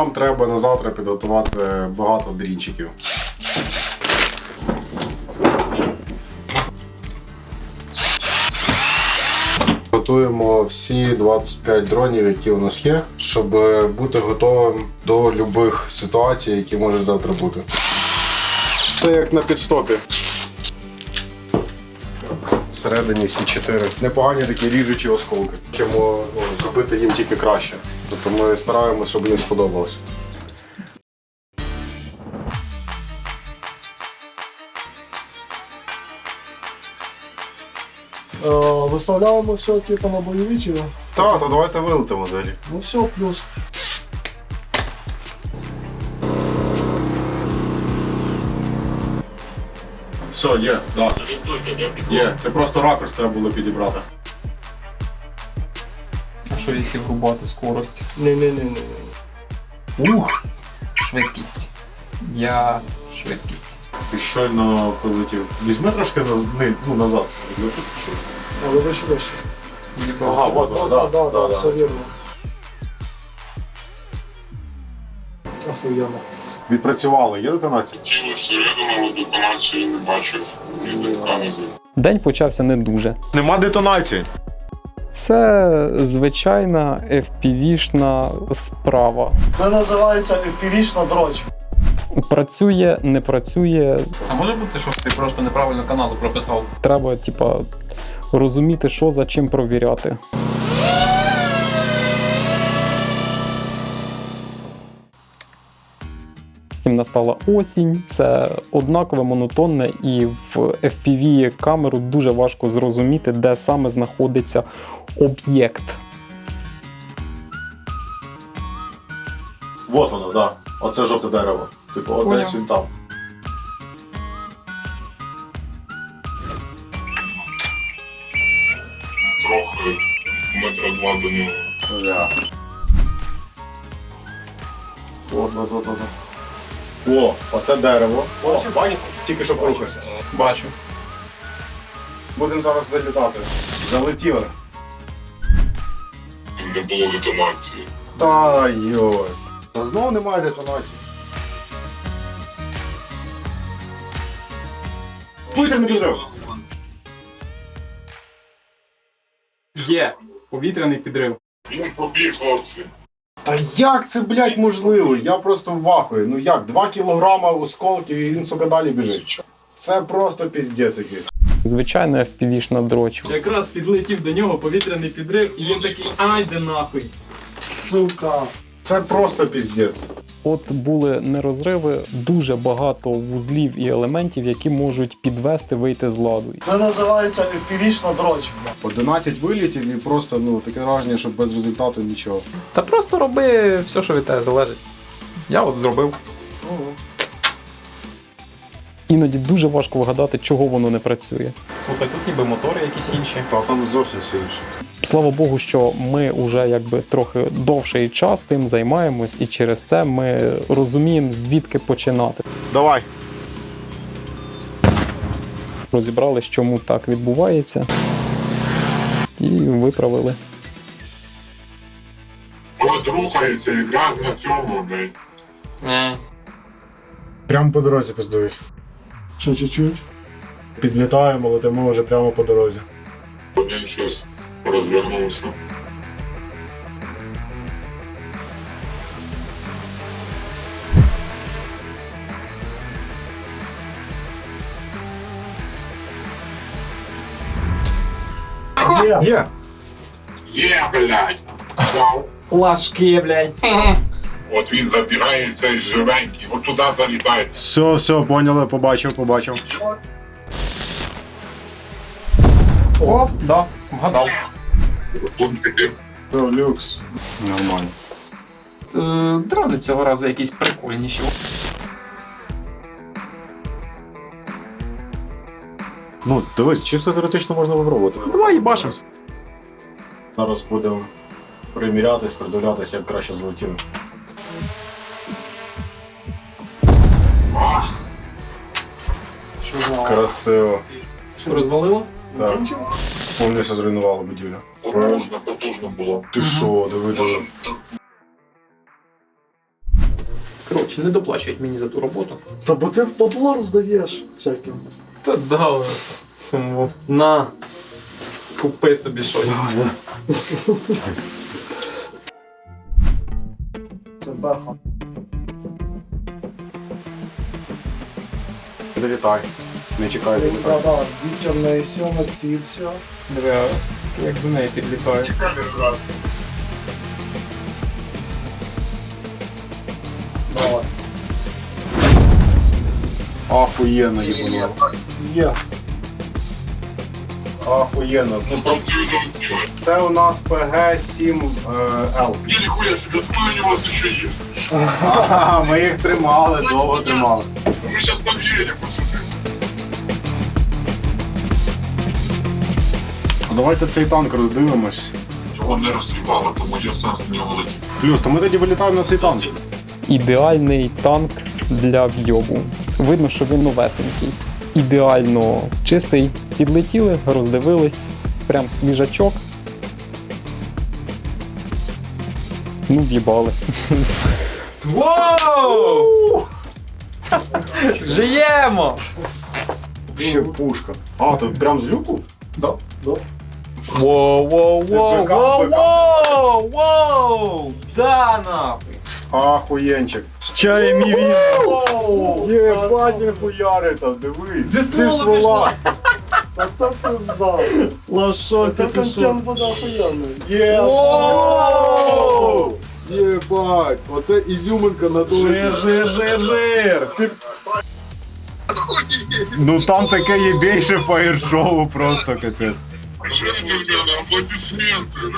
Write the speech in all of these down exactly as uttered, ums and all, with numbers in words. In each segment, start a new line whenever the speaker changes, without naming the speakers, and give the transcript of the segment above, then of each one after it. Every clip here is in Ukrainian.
нам треба на завтра підготувати багато дрінчиків. Готуємо всі двадцять п'ять дронів, які у нас є, щоб бути готовим до будь-яких ситуацій, які можуть завтра бути. Це як на підстопі. Всередині Сі чотири. Непогані такі ріжучі осколки. Чому ну, зробити їм тільки краще. Тобто ми стараємося, щоб їм сподобалось.
Виставляємо все типу на бойові чи?
Так, то давайте вилетимо далі.
Ну все, плюс.
Все, є, так. Є, це просто ракурс треба було підібрати.
А що якщо врубати скорость?
Ні-ні-ні.
Ух! Швидкість. Я швидкість.
Ти щойно прилетів. Візьми трошки наз... ну, назад.
Але вище, вище.
Ага, от воно,
Так,
да,
так,
да,
так,
да.
все вірно. Охуєнно.
Відпрацювали, є детонація?
Тіло всередину, але детонації не бачив. Ні димка, ні диму.
День почався не дуже.
Нема детонації.
Це звичайна еф пі ві-шна справа.
Це називається еф пі ві-шна дроч.
Працює, не працює.
А може бути, що ти просто неправильно каналу прописав?
Треба, типа, розуміти, що за чим провіряти. Потім настала осінь, це однакове, монотонне, і в еф пі ві-камеру дуже важко зрозуміти, де саме знаходиться об'єкт.
Вот воно, так. Да. Оце жовте дерево. Типу, от десь він там.
Трохи метра два до нього.
Бля. От, от, от, от. О, оце дерево. О, бачите, тільки що порухався.
Бачу.
Будемо зараз залітати. Залетіли.
Не було детонації.
Та йой. Та знову немає детонації. Повітряний підрив.
Є повітряний підрив.
Він побіг, хлопці.
Та як це, блядь, можливо? Я просто в вахуї. Ну як, два кілограма осколків і він, сука, далі біжить. Це просто піздець якийсь.
Звичайно, еф пі ві-шна дроч.
Якраз підлетів до нього повітряний підрив, і він такий, ай, де нахуй.
Сука.
Це просто піздець.
От були не розриви, дуже багато вузлів і елементів, які можуть підвести, вийти з ладу.
Це називається еф пі ві-шна дроч.
одинадцять вилітів і просто, ну, таке враження, що без результату нічого.
Та просто роби все, що від тебе залежить. Я от зробив.
Іноді дуже важко вгадати, чого воно не працює.
Слухай, тут ніби мотори якісь інші.
Та там зовсім все інше.
Слава Богу, що ми вже якби трохи довший час тим займаємось, і через це ми розуміємо, звідки починати.
Давай.
Розібрались, чому так відбувається, і виправили.
От рухається якраз на цьому, блядь.
Не.
Прямо по дорозі пиздують.
Ще чуть-чуть.
Підлітаємо, летимо вже прямо по дорозі.
Один щось розвернувся.
Є! Є!
Є, блядь! Вау!
Лашки, блядь.
От він забігає цей живенький, от туди залітає.
Все, все, поняли, побачив, побачив.
Оп, да, вгадав.
Пунктики.
Все, люкс. Нормально.
Е, Дрони цього разу якісь прикольніші.
Ну, дивись, чисто теоретично можна випробувати.
Давай їбашимо.
Зараз будемо примірятись, придивлятися, як краще злетіли.
Що,
Красиво.
що розвалило?
Так. Повністю зруйнувало будівлю.
Потужно, потужно було.
Ти що, диви, диви.
Коротше, не доплачують мені за ту роботу.
Та бо ти в подлор здаєш всяким.
Та да, самому. На. Купи собі щось.
Це беха.
Залітай. Не чекай, залітай.
Да-да, Вітя в неї сів націвся.
Диви, як до неї підлітає.
Давай.
Ахуєнно їбануло.
Є.
Ахуєнно. Ну, про- Це у нас пе ге сім ел.
Я нихуя себе, откуда у вас еще есть?
Ага, ми їх тримали, довго тримали.
Мы сейчас подъедем, пацаны.
Давайте цей танк роздивимось.
Його не розсипало, тому я сам з нього летів.
Плюс, то ми тоді вилітаємо на цей танк.
Ідеальний танк для вйобу. Видно, що він новесенький. Ідеально чистий. Підлетіли, роздивились. Прям свіжачок. Ну, в'їбали.
Воу! Жиємо!
Ще пушка. А, то прям з люку?
Да, да.
Воу, воу,
Це
воу,
БК,
воу,
БК.
воу, воу! Да, нахуй!
Ахуєнчик.
Чай мій він.
Єбать, він хуяри там, дивись.
Зі ствола
А так ти здав.
Лашо,
Це контент буде охуєнний.
Воу! Єбать, оце ізюминка на той.
Жир, жир, жир, жир.
Ну там таке є більше фаєр-шоу, просто капець.
Ребята, аплодисменты.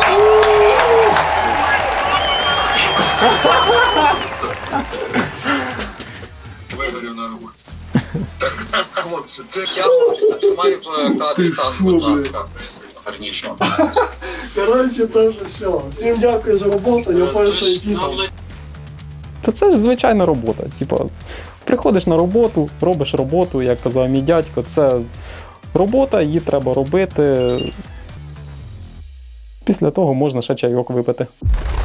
Вигорю на роботі. Так, хлопці, це я маю кадрі там, будь ласка. Гарніше.
Коротше, теж все. Всім дякую за роботу, я перший піду.
Та це ж звичайна робота. Типа, приходиш на роботу, робиш роботу, як казав мій дядько, це робота, її треба робити. Після того можна ще чайок випити.